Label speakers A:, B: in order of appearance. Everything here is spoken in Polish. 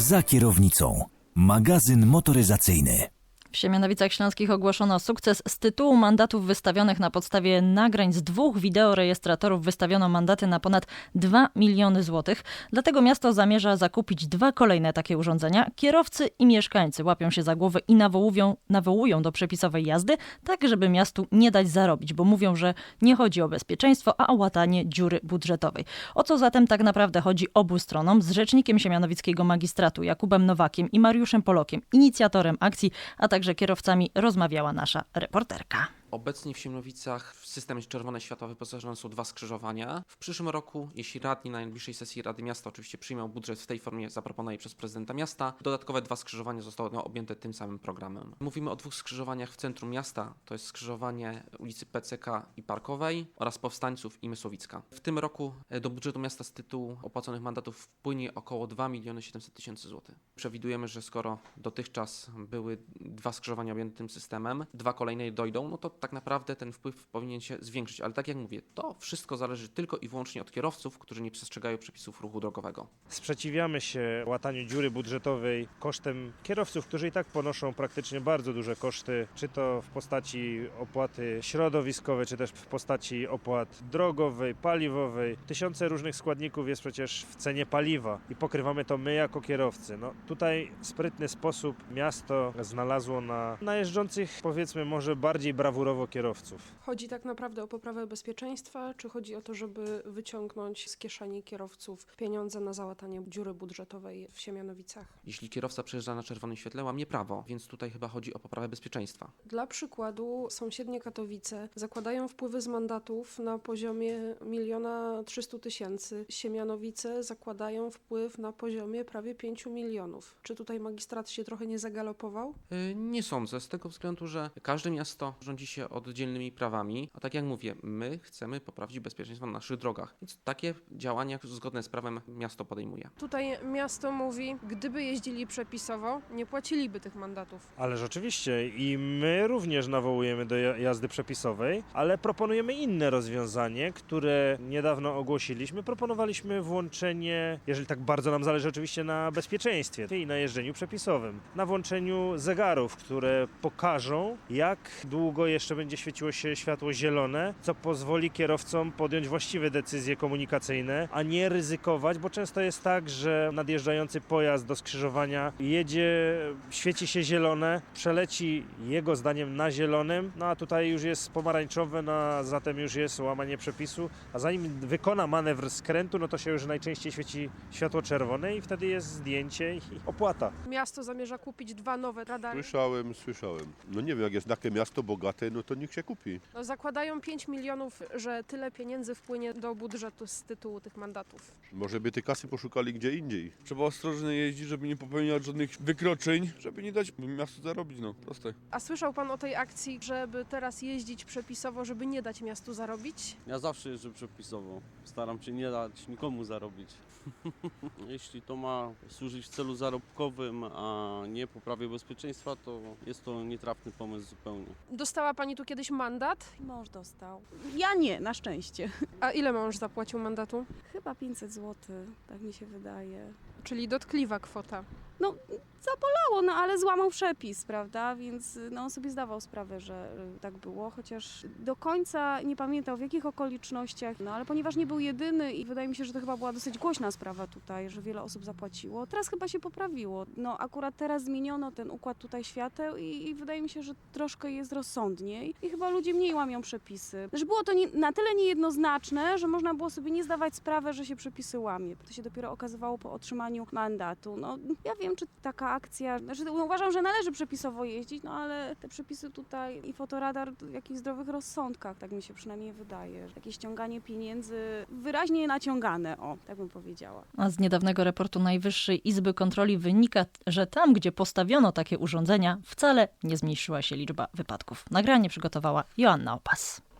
A: Za kierownicą. Magazyn motoryzacyjny.
B: W Siemianowicach Śląskich ogłoszono sukces. Z tytułu mandatów wystawionych na podstawie nagrań z 2 wideorejestratorów wystawiono mandaty na ponad 2 miliony złotych. Dlatego miasto zamierza zakupić 2 kolejne takie urządzenia. Kierowcy i mieszkańcy łapią się za głowę i nawołują do przepisowej jazdy, tak żeby miastu nie dać zarobić, bo mówią, że nie chodzi o bezpieczeństwo, a o łatanie dziury budżetowej. O co zatem tak naprawdę chodzi obu stronom? Z rzecznikiem siemianowickiego magistratu Jakubem Nowakiem i Mariuszem Polokiem, inicjatorem akcji, a także kierowcami, rozmawiała nasza reporterka.
C: Obecnie w Siemianowicach w systemie Czerwone Światła wyposażone są 2 skrzyżowania. W przyszłym roku, jeśli radni na najbliższej sesji Rady Miasta oczywiście przyjmą budżet w tej formie zaproponowanej przez prezydenta miasta, dodatkowe 2 skrzyżowania zostały objęte tym samym programem. Mówimy o 2 skrzyżowaniach w centrum miasta, to jest skrzyżowanie ulicy PCK i Parkowej oraz Powstańców i Mysłowicka. W tym roku do budżetu miasta z tytułu opłaconych mandatów wpłynie około 2 700 000 złotych. Przewidujemy, że skoro dotychczas były 2 skrzyżowania objęte tym systemem, 2 kolejne dojdą, no to tak naprawdę ten wpływ powinien się zwiększyć. Ale tak jak mówię, to wszystko zależy tylko i wyłącznie od kierowców, którzy nie przestrzegają przepisów ruchu drogowego.
D: Sprzeciwiamy się łataniu dziury budżetowej kosztem kierowców, którzy i tak ponoszą praktycznie bardzo duże koszty, czy to w postaci opłaty środowiskowej, czy też w postaci opłat drogowej, paliwowej. Tysiące różnych składników jest przecież w cenie paliwa i pokrywamy to my jako kierowcy. No, tutaj w sprytny sposób miasto znalazło na jeżdżących, powiedzmy, może bardziej brawurowo kierowców.
E: Chodzi tak naprawdę o poprawę bezpieczeństwa, czy chodzi o to, żeby wyciągnąć z kieszeni kierowców pieniądze na załatanie dziury budżetowej w Siemianowicach?
C: Jeśli kierowca przejeżdża na czerwonym świetle, łamie prawo, więc tutaj chyba chodzi o poprawę bezpieczeństwa.
E: Dla przykładu sąsiednie Katowice zakładają wpływy z mandatów na poziomie 1 300 000. Siemianowice zakładają wpływ na poziomie prawie 5 milionów. Czy tutaj magistrat się trochę nie zagalopował?
C: Nie sądzę, z tego względu, że każde miasto rządzi się oddzielnymi prawami, a tak jak mówię, my chcemy poprawić bezpieczeństwo na naszych drogach, więc takie działania zgodne z prawem miasto podejmuje.
E: Tutaj miasto mówi, gdyby jeździli przepisowo, nie płaciliby tych mandatów.
D: Ale rzeczywiście i my również nawołujemy do jazdy przepisowej, ale proponujemy inne rozwiązanie, które niedawno ogłosiliśmy. Proponowaliśmy włączenie, jeżeli tak bardzo nam zależy oczywiście na bezpieczeństwie i na jeżdżeniu przepisowym, na włączeniu zegarów, które pokażą, jak długo jeszcze będzie świeciło się światło zielone, co pozwoli kierowcom podjąć właściwe decyzje komunikacyjne, a nie ryzykować, bo często jest tak, że nadjeżdżający pojazd do skrzyżowania jedzie, świeci się zielone, przeleci jego zdaniem na zielonym, no a tutaj już jest pomarańczowe, no a zatem już jest łamanie przepisu, a zanim wykona manewr skrętu, no to się już najczęściej świeci światło czerwone i wtedy jest zdjęcie i opłata.
E: Miasto zamierza kupić 2 nowe radary.
F: Słyszałem. No nie wiem, jak jest takie miasto bogate, no to niech się kupi.
E: No, zakładają 5 milionów, że tyle pieniędzy wpłynie do budżetu z tytułu tych mandatów.
F: Może by te kasy poszukali gdzie indziej.
G: Trzeba ostrożnie jeździć, żeby nie popełniać żadnych wykroczeń, żeby nie dać miastu zarobić, no proste.
E: A słyszał pan o tej akcji, żeby teraz jeździć przepisowo, żeby nie dać miastu zarobić?
H: Ja zawsze jeżdżę przepisowo. Staram się nie dać nikomu zarobić. Jeśli to ma służyć w celu zarobkowym, a nie poprawie bezpieczeństwa, to jest to nietrafny pomysł zupełnie.
E: Dostała pani tu kiedyś mandat?
I: Mąż dostał. Ja nie, na szczęście.
E: A ile mąż zapłacił mandatu?
I: Chyba 500 zł, tak mi się wydaje.
E: Czyli dotkliwa kwota.
I: No, zabolało, no ale złamał przepis, prawda? Więc no, on sobie zdawał sprawę, że tak było, chociaż do końca nie pamiętał w jakich okolicznościach, no ale ponieważ nie był jedyny i wydaje mi się, że to chyba była dosyć głośna sprawa tutaj, że wiele osób zapłaciło. Teraz chyba się poprawiło. No akurat teraz zmieniono ten układ tutaj świateł i wydaje mi się, że troszkę jest rozsądniej i chyba ludzie mniej łamią przepisy. Że było to na tyle niejednoznaczne, że można było sobie nie zdawać sprawy, że się przepisy łamie. To się dopiero okazywało po otrzymaniu mandatu. No ja wiem, czy taka akcja, uważam, że należy przepisowo jeździć, no ale te przepisy tutaj i fotoradar w jakichś zdrowych rozsądkach, tak mi się przynajmniej wydaje. Jakieś ściąganie pieniędzy wyraźnie naciągane, o, tak bym powiedziała.
B: A z niedawnego raportu Najwyższej Izby Kontroli wynika, że tam, gdzie postawiono takie urządzenia, wcale nie zmniejszyła się liczba wypadków. Nagranie przygotowała Joanna Opas.